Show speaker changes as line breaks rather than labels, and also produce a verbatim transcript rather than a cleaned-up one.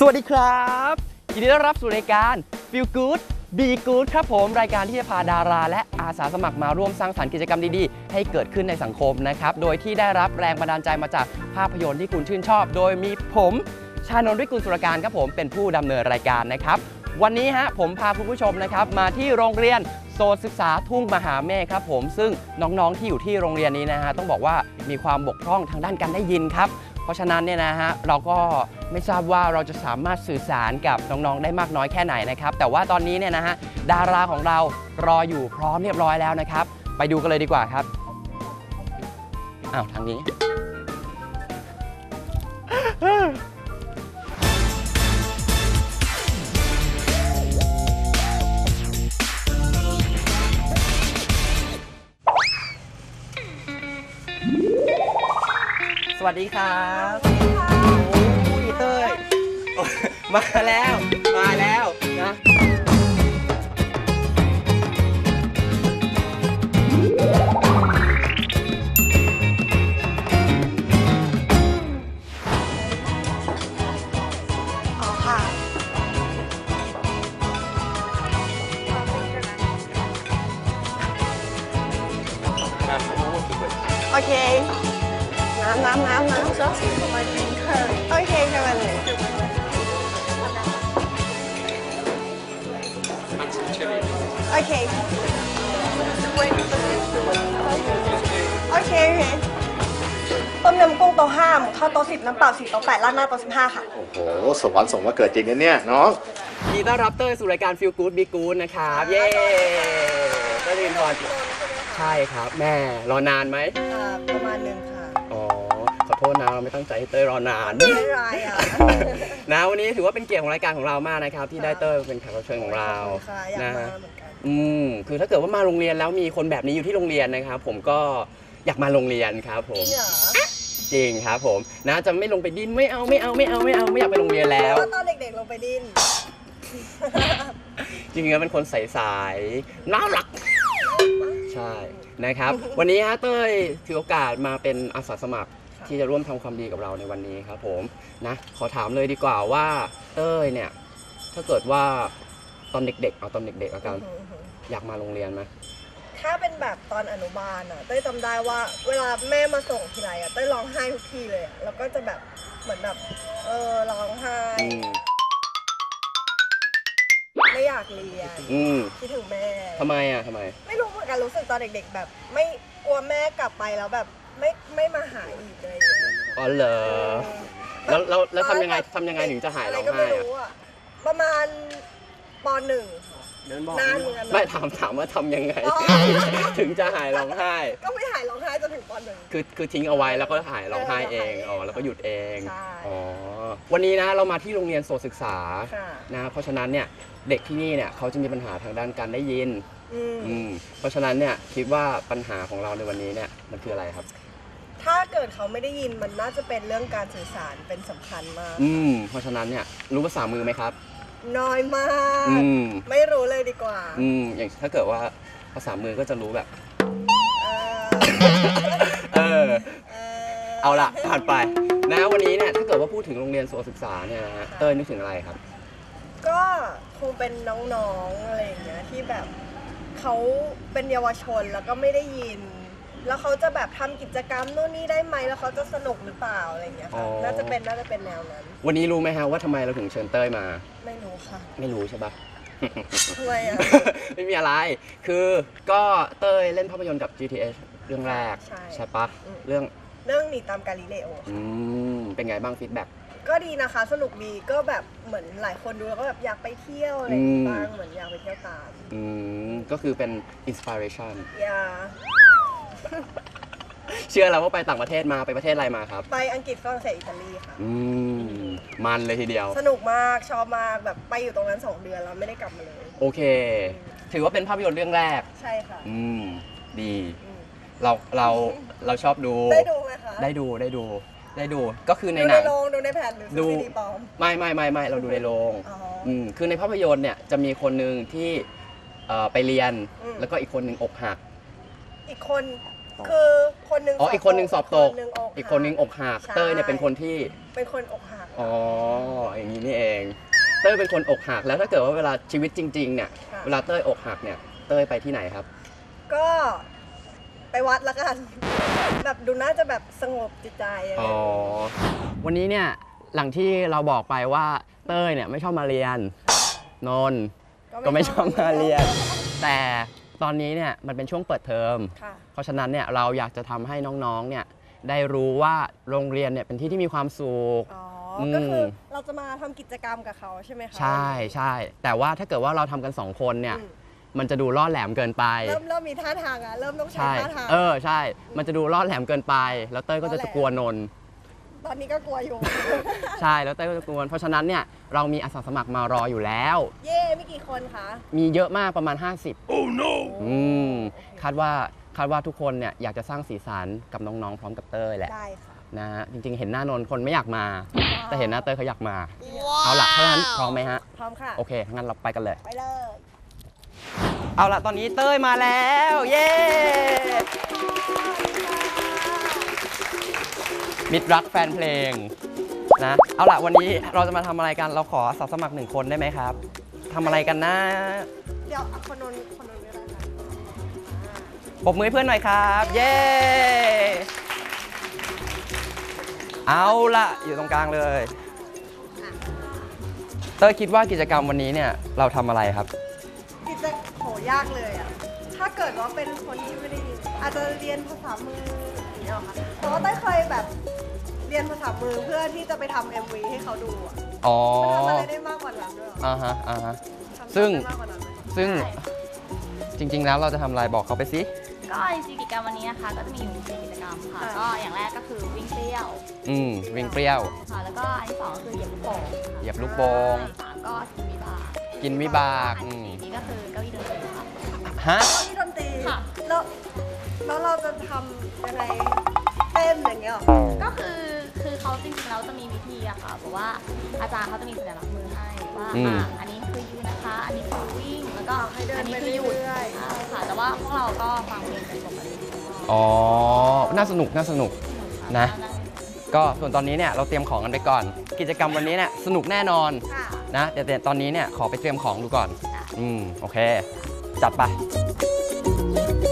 สวัสดีครับยินดีต้อนรับสู่รายการ Feel Good Be Good ครับผมรายการที่จะพาดาราและอาสาสมัครมาร่วมสร้างสรรค์กิจกรรมดีๆให้เกิดขึ้นในสังคมนะครับโดยที่ได้รับแรงบันดาลใจมาจากภาพยนตร์ที่คุณชื่นชอบโดยมีผมชานนท์ วิกุลสุรการครับผมเป็นผู้ดำเนินรายการนะครับวันนี้ฮะผมพาคุณผู้ชมนะครับมาที่โรงเรียนโซนศึกษาทุ่งมหาเมฆครับผมซึ่งน้องๆที่อยู่ที่โรงเรียนนี้นะฮะต้องบอกว่ามีความบกพร่องทางด้านการได้ยินครับเพราะฉะนั้นเนี่ยนะฮะเราก็ไม่ทราบว่าเราจะสามารถสื่อสารกับน้องๆได้มากน้อยแค่ไหนนะครับแต่ว่าตอนนี้เนี่ยนะฮะดาราของเรารออยู่พร้อมเรียบร้อยแล้วนะครับไปดูกันเลยดีกว่าครับอ้าวทางนี้สวัสดีครับโอ้ยเต้ยมาแล้วมาแล้วนะ
อ๋อค่ะโอเคน้ำน้ำน้ำน้ำซอสทำไมเป็นเคยโอเคแค่วันนี้โอเคโอเคโอเคต้มยำกุ้งโต๊ะห้าหมูทอดโต๊ะสิบน้ำเปล่าสี่โต๊ะแปดราดหน้าโต๊ะสิบห้าค่ะ
โอ้โหสวรรค์ส่งมาเกิดจริงนะเนี่ยน้อง
ยินดีต้อนรับเต้ยสู่รายการ Feel Good Be Good นะครับเย้เต้ยรินทร์ใช่ครับแม่รอนานไหม
ประมาณหนึ่งค่ะ
อ๋อขอโทษนะเราไม่ตั้งใจให้เต้ยรอนาน
ไม่ไรอ่ะ
นะวันนี้ถือว่าเป็นเกียรติของรายการของเรามากนะครับที่ได้เต้ยเป็นแขกรับเชิญของเรานะอืมคือถ้าเกิดว่ามาโรงเรียนแล้วมีคนแบบนี้อยู่ที่โรงเรียนนะครับผมก็อยากมาโรงเรียนครับผมจริงครับผมนะจะไม่ลงไปดิ้นไม่เอาไม่เอาไม่เอาไม่เอาไม่อยากไปโรงเรียนแล้ว
ตอนเด็กๆลงไปดิ้น
จริงๆแล้วเป็นคนใสๆน่ารักใช่นะครับวันนี้ฮะเต้ยถือโอกาสมาเป็นอาสาสมัครที่จะร่วมทำความดีกับเราในวันนี้ครับผมนะขอถามเลยดีกว่าว่าเต้ยเนี่ยถ้าเกิดว่าตอนเด็กๆเอาตอนเด็กๆอาการอยากมาโรงเรียนไหม
ถ้าเป็นแบบตอนอนุบาลอ่ะเต้ยจำได้ว่าเวลาแม่มาส่งทีไรอ่ะเต้ยร้องไห้ทุกทีเลยอ่ะแล้วก็จะแบบเหมือนแบบเออร้องไห้ไม่อยากเรียนคิดถึงแม่
ทำไมอ่ะทำไม
ไม่รู้เหมือนกันรู้สึกตอนเด็กๆแบบไม่กลัวแม่กลับไปแล้วแบบไม่ไม่มาหาอีกเลย
อ๋อเหรอแล้วแล้วแล้วทำยังไงทำยังไงถึงจะหายร้องไห้อ่ะ
ประมาณปหนึ่งนานเหมือนกัน
ไม่ถามถามว่าทำยังไงถึงจะหายร้องไห้
ก็ไม่หายร้องไห้จนถึงปหนึ่ง
คือคือทิ้งเอาไว้แล้วก็หายร้องไห้เองอ๋อแล้วก็หยุดเองอ๋อวันนี้นะเรามาที่โรงเรียนโสตศึกษานะเพราะฉะนั้นเนี่ยเด็กที่นี่เนี่ยเขาจะมีปัญหาทางด้านการได้ยินอืมเพราะฉะนั้นเนี่ยคิดว่าปัญหาของเราในวันนี้เนี่ยมันคืออะไรครับ
ถ้าเกิดเขาไม่ได้ยินมันน่าจะเป็นเรื่องการสื่อสารเป็นสำคัญมาก
อืมเพราะฉะนั้นเนี่ยรู้ภาษามือไหมครับ
น้อยมากไม่รู้เลยดีกว่า
อืมอย่างถ้าเกิดว่าภาษามือก็จะรู้แบบเออเอาล่ะผ่านไปนะวันนี้เนี่ยถ้าเกิดว่าพูดถึงโรงเรียนโสตศึกษาเนี่ยนะฮะเต้ยนึกถึงอะไรครับ
ก็คงเป็นน้องๆอะไรอย่างเงี้ยที่แบบเขาเป็นเยาวชนแล้วก็ไม่ได้ยินแล้วเขาจะแบบทำกิจกรรมนู่นนี่ได้ไหมแล้วเขาจะสนุกหรือเปล่าอะไรอย่างเงี้ยค่ะน่าจะเป็นน่าจะเป็นแนวนั้น
วันนี้รู้ไหมฮะว่าทำไมเราถึงเชิญเต้ยมา
ไม่รู้ค่ะ
ไม่รู้ใช่ปะ
ทำไมอ่ะ
ไม่มีอะไรคือก็เต้ยเล่นภาพยนตร์กับ จี ที เอช เรื่องแรกใช่ปะเรื่อง
เรื่องหนีตามกาลิเลโอ
อืมเป็นไงบ้างฟีดแบ็ก
ก็ดีนะคะสนุกดีก็แบบเหมือนหลายคนดูแล้วก็แบบอยากไปเที่ยวอะไรบ้างเหมือนอยากไปเที่ยวตาม
อืมก็คือเป็นอินสปิเรชัน
อย่า
เชื่อแล้วว่าไปต่างประเทศมาไปประเทศอะไรมาครับ
ไปอังกฤษฝรั่งเศสอิตาลีค่ะ
อืมมันเลยทีเดียว
สนุกมากชอบมากแบบไปอยู่ตรงนั้นสองเดือนแล้วไม่ได้กลับมาเลย
โอเคถือว่าเป็นภาพยนตร์เรื่องแรก
ใช่ค่ะ
อืมดีเราเราเราชอบดู
ได้ดูไหมคะ
ได้ดูได้ดูได้ดูก็คือในห
นังดูในโรงดูในแผ่นหรือดูซีดีปลอม
ไม่ไม่ไม่ไม่เราดูในโรงอืมคือในภาพยนตร์เนี่ยจะมีคนหนึ่งที่ไปเรียนแล้วก็อีกคนหนึ่งอกหัก
อีกคนคือคนหนึง
อ๋ออีกคนหนึงสอบตก
คนหนึ่งอกหั
อีกคนหนึงอกหัก
ใช่
เต้ยเนี่ยเป็นคนที่
เป็นคนอกหัก
อ๋ออย่างนี้นี่เอง เต้ยเป็นคนอกหักแล้วถ้าเกิดว่าเวลาชีวิตจริงๆเนี่ย
ค่ะ
เวลาเต้ยอกหักเนี่ยเต้ยไปที่ไหนครับ
ก็ไปวัดละกัน แบบดูน่าจะแบบสงบจิตใจอะไร
อ๋อ วันนี้เนี่ยหลังที่เราบอกไปว่าเต้ยเนี่ยไม่ชอบมาเรียนนนท์ก็ไม่ชอบมาเรียน แต่ตอนนี้เนี่ยมันเป็นช่วงเปิดเทอม
ค่ะ
เพราะฉะนั้นเนี่ยเราอยากจะทำให้น้องๆเนี่ยได้รู้ว่าโรงเรียนเนี่ยเป็นที่ที่มีความสุข
อ๋อ
อืม
ก็คือเราจะมาทำกิจกรรมกับเขาใช่ไหมคะ
ใช่ใช่แต่ว่าถ้าเกิดว่าเราทำกันสองคนเนี่ย
อืม
มันจะดูล่อแหลมเกินไป
เริ่มเริ่มมีท่าทางอะเริ่มต้องใช้
ใช่
ท่าทาง
เออใช่ มันจะดูล่อแหลมเกินไป แล้วเต้ยก็จะ
ล่อแหลม
กลัวนนท์
ตอนนี้ก็กลัวอยู่
ใช่แล้วเต้ยก็จะกลัวเพราะฉะนั้นเนี่ยเรามีอาสาสมัครมารออยู่แล้ว
เย่มีกี่คนคะ
มีเยอะมากประมาณ ห้าสิบ oh no อืมคาดว่าคาดว่าทุกคนเนี่ยอยากจะสร้างสีสันกับน้องๆพร้อมกับเต้ยแหละ
ได้ค่ะ
นะฮะจริงๆ เห็นหน้านนท์คนไม่อยากมา แต่เห็นหน้าเต้ยเขาอยากมา เอาล่ะเพราะฉะนั้นพร้อมไหมฮะ
พร้อมค่ะ
โอเคงั้นเราไปกันเลย
ไปเลย
เอาล่ะตอนนี้เต้ยมาแล้ว เย้มิตรรักแฟนเพลงนะเอาล่ะวันนี้เราจะมาทำอะไรกันเราขออาสาสมัครหนึ่งคนได้ไหมครับทำอะไรกันนะ
เดี๋ยวเอาคนนนคนนนก็ได้ค่ะ
ปรบมือให้เพื่อนหน่อยครับ เย้เอาล่ะอยู่ตรงกลางเลยเต้ยคิดว่ากิจกรรมวันนี้เนี่ยเราทำอะไรครับ
กิจโหยากเลยอ่ะ ถ้าเกิดว่าเป็นคนที่ไม่ได้ยินอาจจะเรียนภาษามืออย่างเงี้ยหรอคะแต่ว่าเต้ยเคยแบบเรียนภาษามือเพื่อที่จะไปทำเอ็มวีให้เขาดูอ่ะ
อ๋อ
มันทำอะไรได้มากกว่านั้นด้วยเหรอ
อ่าฮะอ่าฮะ
ทำ
ซึ่ง
ได้มากกว่านั้นไหม
ซึ่งจริงๆแล้วเราจะทำอะไรบอกเขาไปสิ
ก็จริงๆกิจกรรมวันนี้นะคะก็จะมีอยู่สี่กิจกรรมค่ะ ก็อย่างแรกก็คือวิ่งเปรี้ยว
อืมวิ่งเปรี้ยว
ค่ะ แล้วก็อันที่สองก็คือเหยียบลูกโป่งค่ะ
เหยียบลูกโป่ง
อันที่สามก็กินวิบาก
กินวิบาก
อัน
อืม
ที่สี่นี่ก็คือเก้าอี้ดนตรีค่ะ
ฮะ
ตอนที่ดนตรี
ค่ะ
แล้วแล้วเราจะทำยังไงเต้นอย่างเงี้ยหรอ
ก็คือคือเขาจริงๆแล้วจะมีวิธีอะค่ะเพราะว่าอาจารย์เขาจะมีสัญลักษณ์มือให้ว่า
อืม
อ่ะอันนี้คือยืนนะคะ อันนี้คือวิ่งแล้วก็
ให้เดิน
อันนี้
ไป
คือหยุด
เรื่อยๆ
ใช่ค่ะ แต่ว่าพวกเราก็ฟังเพลงกันปกติ
อ๋อ น่าสนุก น่าสนุก นะ ก็ส่วนตอนนี้เนี่ยเราเตรียมของกันไปก่อน กิจกรรมวันนี้เนี่ยสนุกแน่นอน
ค่ะ
นะแต่แต่ตอนนี้เนี่ยขอไปเตรียมของดูก่อน อืม โอเค จัดไป